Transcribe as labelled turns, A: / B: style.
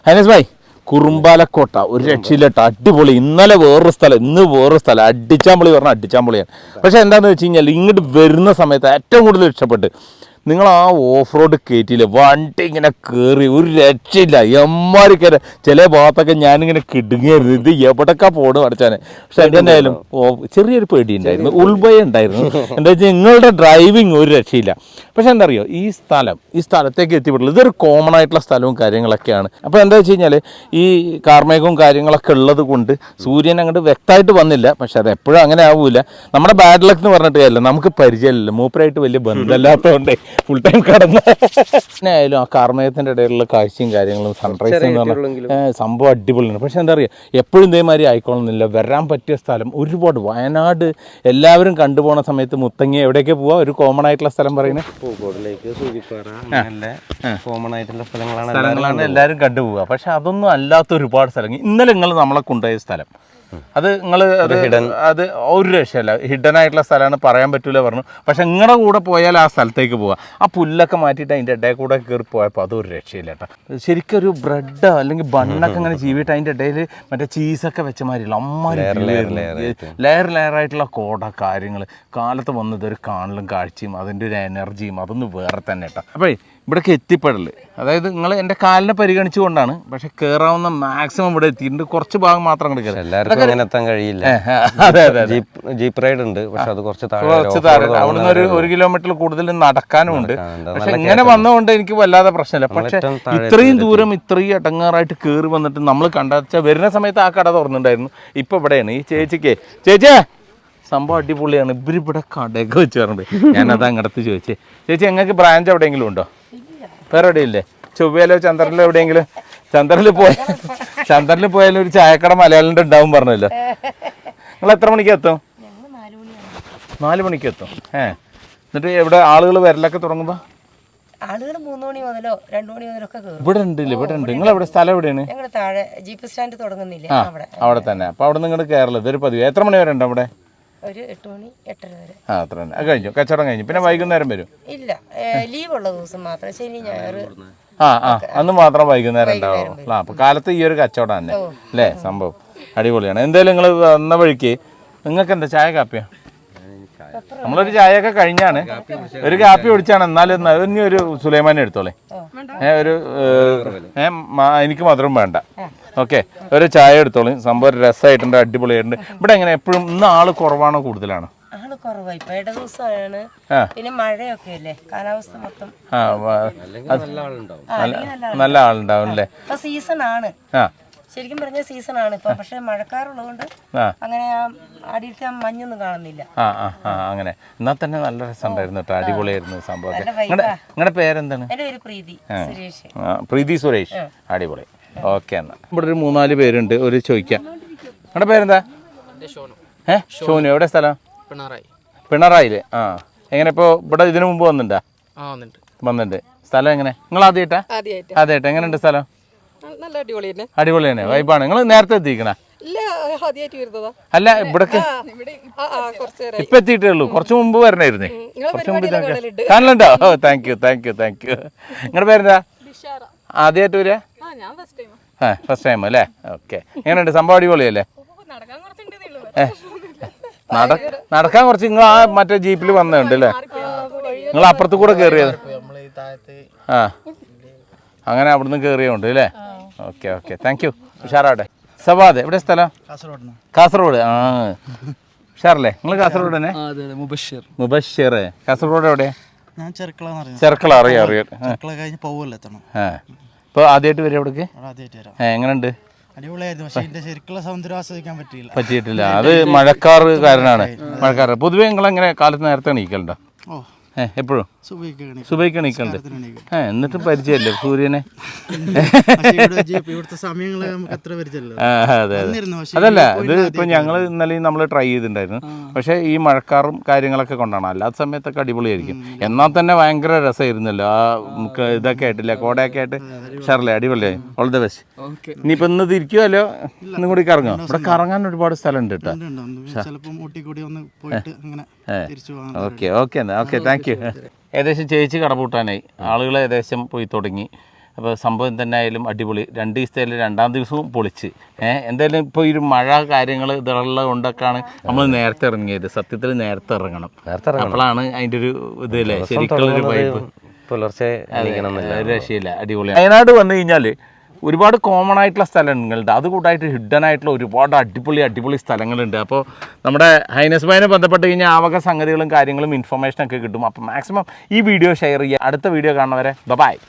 A: Highness bhai, Kurumbalakotta ഒരു രക്ഷയില്ലട്ട, അടിപൊളി. ഇന്നലെ വേറൊരു സ്ഥലം, ഇന്ന് വേറൊരു സ്ഥലം. അടിച്ചാമ്പൊളി പറഞ്ഞാൽ അടിച്ചാമ്പൊളിയാണ്. പക്ഷെ എന്താണെന്ന് വെച്ച് കഴിഞ്ഞാൽ ഇങ്ങോട്ട് വരുന്ന സമയത്ത് ഏറ്റവും കൂടുതൽ ഇഷ്ടപ്പെട്ട് നിങ്ങൾ ആ ഓഫ് റോഡ് കയറ്റിയില്ല, വണ്ടി ഇങ്ങനെ കയറി ഒരു രക്ഷയില്ല. എമ്മാരി കയറി ചില ഭാഗത്തൊക്കെ ഞാനിങ്ങനെ കിടുങ്ങിയായിരുന്നു, ഇത് എവിടൊക്കെ പോകണം അടച്ചാനെ. പക്ഷെ എന്തായാലും ചെറിയൊരു പേടി ഉണ്ടായിരുന്നു, ഉൾഭയം ഉണ്ടായിരുന്നു. എന്താ വെച്ചാൽ നിങ്ങളുടെ ഡ്രൈവിങ് ഒരു രക്ഷയില്ല. പക്ഷെ എന്താ അറിയോ, ഈ സ്ഥലത്തേക്ക് എത്തിപ്പെട്ടുള്ളൂ. ഇതൊരു കോമൺ ആയിട്ടുള്ള സ്ഥലവും കാര്യങ്ങളൊക്കെയാണ്. അപ്പോൾ എന്താ വെച്ച് കഴിഞ്ഞാൽ ഈ കാർമേഘവും കാര്യങ്ങളൊക്കെ ഉള്ളത് കൊണ്ട് സൂര്യൻ അങ്ങോട്ട് വ്യക്തമായിട്ട് വന്നില്ല. പക്ഷെ അത് എപ്പോഴും അങ്ങനെ ആവൂല. നമ്മുടെ ബാഡ് ലക്ക് എന്ന് പറഞ്ഞിട്ട് കാര്യമില്ല, നമുക്ക് പരിചയമില്ല, മൂപ്പരായിട്ട് വലിയ ബന്ധമില്ലാത്തതുകൊണ്ട് ഫുൾ ടൈം കടന്ന് പിന്നെ ആയാലും ആ കാർമേഘത്തിൻ്റെ ഇടയിലുള്ള കാഴ്ചയും കാര്യങ്ങളും സൺറൈസ് എന്ന് പറഞ്ഞാൽ സംഭവം അടിപൊളിയാണ്. പക്ഷെ എന്താ പറയുക, എപ്പോഴും ഇതേമാതിരി ആയിക്കോളുന്നില്ല. വരാൻ പറ്റിയ സ്ഥലം ഒരുപാട്. വയനാട് എല്ലാവരും കണ്ടുപോകുന്ന സമയത്ത് മുത്തങ്ങ എവിടെയൊക്കെ പോവാ, ഒരു കോമൺ ആയിട്ടുള്ള സ്ഥലം പറയുന്നത്
B: പൂക്കോടിലേക്ക്, സൂചിപ്പാറ, കോമൺ ആയിട്ടുള്ള
A: സ്ഥലങ്ങളാണ് എല്ലാവരും കണ്ടുപോവുക. പക്ഷെ അതൊന്നും അല്ലാത്ത ഒരുപാട് സ്ഥലങ്ങൾ. ഇന്നലെ നിങ്ങൾ നമ്മളെ കൊണ്ടുപോയ സ്ഥലം അത് നിങ്ങൾ അത് ഒരു രക്ഷയല്ല, ഹിഡൻ ആയിട്ടുള്ള സ്ഥലമാണ്, പറയാൻ പറ്റൂല പറഞ്ഞു. പക്ഷെ നിങ്ങളുടെ കൂടെ പോയാൽ ആ സ്ഥലത്തേക്ക് പോവുക. ആ പുല്ലൊക്കെ മാറ്റിയിട്ട് അതിൻ്റെ ഇടയിൽ കൂടെ കയറി പോയപ്പോൾ അതൊരു രക്ഷയില്ല കേട്ടോ. ശരിക്കും ഒരു ബ്രെഡോ അല്ലെങ്കിൽ ബണ്ണൊക്കെ ഇങ്ങനെ ചീവിട്ട് അതിൻ്റെ ഇടയിൽ മറ്റേ ചീസൊക്കെ വെച്ച മാതിരിയുള്ള അമ്മാരി ലെയറായിട്ടുള്ള കോട കാര്യങ്ങൾ. കാലത്ത് വന്നത് ഒരു കാണലും കാഴ്ചയും അതിൻ്റെ ഒരു എനർജിയും അതൊന്നും വേറെ തന്നെ കേട്ടോ. അപ്പോൾ ഇവിടേക്ക് എത്തിപ്പെടല്, അതായത് നിങ്ങൾ എൻ്റെ കാലിനെ പരിഗണിച്ചുകൊണ്ടാണ്. പക്ഷെ കയറാവുന്ന മാക്സിമം ഇവിടെ എത്തിയിട്ടുണ്ട്. കുറച്ച് ഭാഗം മാത്രം അങ്ങോട്ട് കയറി.
B: എല്ലാവർക്കും അങ്ങനെ എത്താൻ കഴിയില്ല.
A: അതെ അതെ,
B: ജീപ്പ് റൈഡ് ഉണ്ട്, പക്ഷെ അത് കുറച്ച് താഴെ.
A: അവിടുന്ന് ഒരു കിലോമീറ്റർ കൂടുതൽ നടക്കാനും ഉണ്ട്. പക്ഷെ ഇങ്ങനെ വന്നതുകൊണ്ട് എനിക്ക് വല്ലാതെ പ്രശ്നമില്ല. പക്ഷെ ഇത്രയും ദൂരം ഇത്രയും ഇടങ്ങാറായിട്ട് കയറി വന്നിട്ട് നമ്മൾ കണ്ടാച്ചാൽ വരുന്ന സമയത്ത് ആ കട തുറന്നിട്ടുണ്ടായിരുന്നു. ഇപ്പൊ ഇവിടെയാണ് ഈ ചേച്ചിക്ക്. ചേച്ചിയെ സംഭവം അടിപൊളിയാണ്. ഇവരിവിടെ കടയൊക്കെ വെച്ച് പറഞ്ഞിട്ട് ഞാനത് അങ്ങടത്ത് ചോദിച്ചേ. ചേച്ചി ഞങ്ങൾക്ക് ബ്രാഞ്ച് എവിടെയെങ്കിലും ഉണ്ടോ? വേറെ എവിടെയില്ലേ? ചൊവ്വയിലോ ചന്ദ്രനിലോ എവിടെയെങ്കിലും? ചന്ദ്രനിൽ പോയാലും ഒരു ചായക്കട മലയാളിൻ്റെ ഉണ്ടാവും പറഞ്ഞല്ലോ. നിങ്ങൾ എത്ര മണിക്ക് എത്തും? 4 മണിക്ക് എത്തും. എന്നിട്ട് എവിടെ ആളുകൾ വരലൊക്കെ തുടങ്ങുമ്പോൾ?
C: ആളുകൾ 3 മണി മുതലോ 2 മണി മുതലൊക്കെ
A: ഇവിടെ ഉണ്ടല്ലേ? ഇവിടെ ഉണ്ട്. നിങ്ങൾ എവിടെ സ്ഥലം എവിടെയാണ്?
C: താഴെ ജീപ്പ് സ്റ്റാൻഡ് തുടങ്ങുന്നില്ലേ
A: അവിടെ തന്നെ. അപ്പോൾ അവിടെ നിങ്ങൾ കയറല് ഇതൊരു പതിവ്. എത്ര മണി വരെ ഉണ്ട് അവിടെ?
C: ഒരു 8 മണി 8:30 വരെ.
A: അത്ര തന്നെ. അത് കഴിഞ്ഞു, കച്ചവടം കഴിഞ്ഞു. പിന്നെ വൈകുന്നേരം വരും?
C: ഇല്ല, ലീവ് ഉള്ള ദിവസം മാത്രം, ശനി ഞായർ
A: അന്ന് മാത്രം വൈകുന്നേരം ഉണ്ടാവും. അപ്പൊ കാലത്ത് ഈ ഒരു കച്ചവടം തന്നെ അല്ലേ? സംഭവം അടിപൊളിയാണ്. എന്തായാലും നിങ്ങൾ വന്ന വഴിക്ക് നിങ്ങൾക്ക് എന്താ ചായ കാപ്പിയാ? നമ്മളൊരു ചായയൊക്കെ കഴിഞ്ഞാണ്, ഒരു കാപ്പി കുടിച്ചാണ്. എന്നാലും ഇനി ഒരു സുലൈമാനെ എടുത്തോളേ. ഒരു എനിക്ക് മധുരം വേണ്ട. ഓക്കെ, ഒരു ചായ എടുത്തോളൂ. സംഭവം രസമായിട്ടുണ്ട്, അടിപൊളിയായിട്ടുണ്ട്. ഇവിടെ എങ്ങനെ എപ്പോഴും ഇന്ന് ആള് കുറവാണോ കൂടുതലാണോ?
C: ആള് കുറവായി. ഇപ്പൊ ഇട ദിവസമാണ്, പിന്നെ മഴയൊക്കെ അല്ലേ, കാലാവസ്ഥ മൊത്തം
A: നല്ല ആളുണ്ടാവും അല്ലേ?
C: ഇപ്പൊ സീസൺ ആണ്, ശരിക്കും പറഞ്ഞ സീസൺ ആണ് ഇപ്പൊ. പക്ഷെ മഴക്കാറുള്ളതുകൊണ്ട് അങ്ങനെ അടിയിലത്തെ മഞ്ഞൊന്നും കാണുന്നില്ല.
A: അങ്ങനെ എന്നാ തന്നെ നല്ല രസമുണ്ടായിരുന്നു കേട്ടോ, അടിപൊളിയായിരുന്നു സംഭവം. നിങ്ങളുടെ പേരെന്താണ്?
C: എന്റെ പേര് പ്രീതി സുരേഷ്.
A: പ്രീതി സുരേഷ്, അടിപൊളി. ഓക്കെ, എന്നാ ഇവിടെ ഒരു 3-4 പേരുണ്ട്. ഒരു ചോദിക്കാം, നിങ്ങളുടെ പേരെന്താ? ഷോനു. എവിടെ സ്ഥലം? പിണറായില്. എങ്ങനെ ഇപ്പോൾ ഇവിടെ ഇതിനു മുമ്പ് വന്നിട്ടുണ്ടോ? വന്നിട്ടുണ്ട്. സ്ഥലം എങ്ങനെ? നിങ്ങൾ ആദ്യമായിട്ടാ? എങ്ങനെയുണ്ട് സ്ഥലം? അടിപൊളി തന്നെ, വൈബാണ്. നിങ്ങൾ നേരത്തെ എത്തിക്കണ? അല്ല, ഇവിടേക്ക് ഇപ്പൊ എത്തിയിട്ടേ ഉള്ളൂ. കുറച്ച് മുമ്പ് വരണായിരുന്നേ. കുറച്ച് മുമ്പ് കാണലുണ്ടോ? ഓ, താങ്ക് യു. നിങ്ങളുടെ പേരെന്താ? ആദ്യമായിട്ട് വരിക? ഫസ്റ്റ് ടൈം അല്ലേ? ഓക്കെ. എങ്ങനെയുണ്ട് സംഭവം? അടിപൊളിയല്ലേ? നടക്കാൻ കുറച്ച്. നിങ്ങൾ ആ മറ്റേ ജീപ്പിൽ വന്നിട്ടുണ്ട് അല്ലേ? നിങ്ങൾ അപ്പുറത്ത് കൂടെ കയറിയത്? അങ്ങനെ അവിടുന്ന് കയറിയുണ്ട് അല്ലേ? Okay, thank you. ഉഷാറാട്ടെ. സവാദ് എവിടെ സ്ഥലം? കാസർഗോഡ്. ഉഷാറല്ലേ? നിങ്ങൾ കാസർഗോഡ് തന്നെ? മുബഷിർ. കാസർഗോഡ് എവിടെ? ചെർക്കള. അറിയാം. ഇപ്പൊ ആദ്യമായിട്ട് വരും അവിടേക്ക്? എങ്ങനെയുണ്ട്? പറ്റിയിട്ടില്ല. അത് മഴക്കാറ് കാരനാണ്. പൊതുവെ നിങ്ങൾ എങ്ങനെ കാലത്ത് നേരത്തെ എണീക്കലുണ്ടോ? എപ്പോഴും സുബൈക്ക് എണീക്കലുണ്ട്. എന്നിട്ടും പരിചയമല്ലേ സൂര്യനെ? അതെ. അതല്ല, ഇത് ഇപ്പൊ ഞങ്ങൾ ഇന്നലെയും നമ്മൾ ട്രൈ ചെയ്തിട്ടുണ്ടായിരുന്നു. പക്ഷെ ഈ മഴക്കാറും കാര്യങ്ങളൊക്കെ കൊണ്ടാണ്. അല്ലാത്ത സമയത്തൊക്കെ അടിപൊളിയായിരിക്കും. എന്നാൽ തന്നെ ഭയങ്കര രസമായിരുന്നല്ലോ. ആ ഇതൊക്കെ ആയിട്ടില്ല, കോടയൊക്കെ ആയിട്ട്. ഷർലേ, അടിപൊളിയായി. All the best. ഇനിയിപ്പോ ഇന്ന് തിരിക്കുമല്ലോ, ഇന്നും കൂടി കറങ്ങോ? ഇവിടെ കറങ്ങാൻ ഒരുപാട് സ്ഥലം ഉണ്ട് കേട്ടോ. Okay, thank you. ഏകദേശം ചേച്ചി കടപൂട്ടാനായി. ആളുകൾ ഏകദേശം പോയി തുടങ്ങി. അപ്പോൾ സംഭവം തന്നെ ആയാലും അടിപൊളി. 2 ദിവസത്തേലും 2-ാം ദിവസവും പൊളിച്ച്. എന്തായാലും ഇപ്പോൾ ഈ ഒരു മഴ കാര്യങ്ങൾ ഇതുള്ളത് കൊണ്ടൊക്കെയാണ് നമ്മൾ നേരത്തെ ഇറങ്ങിയത്. സത്യത്തിൽ നേരത്തെ ഇറങ്ങണം, അപ്പോഴാണ് അതിൻ്റെ ഒരു ഇതല്ലേ ശരിക്കുള്ളൊരു വൈബ്.
B: പുലർച്ചെ
A: രക്ഷയില്ല, അടിപൊളിയാണ്. വയനാട് വന്നു കഴിഞ്ഞാൽ ഒരുപാട് കോമൺ ആയിട്ടുള്ള സ്ഥലങ്ങളുണ്ട്, അതുകൂടായിട്ട് ഹിഡൻ ആയിട്ടുള്ള ഒരുപാട് അടിപൊളി സ്ഥലങ്ങളുണ്ട്. അപ്പോൾ നമ്മുടെ ഹൈനസ് ഭായിനെ ബന്ധപ്പെട്ട് കഴിഞ്ഞാൽ ആ വക സംഗതികളും കാര്യങ്ങളും ഇൻഫർമേഷനൊക്കെ കിട്ടും. അപ്പോൾ മാക്സിമം ഈ വീഡിയോ ഷെയർ ചെയ്യുക. അടുത്ത വീഡിയോ കാണുന്നവരെ ബൈ.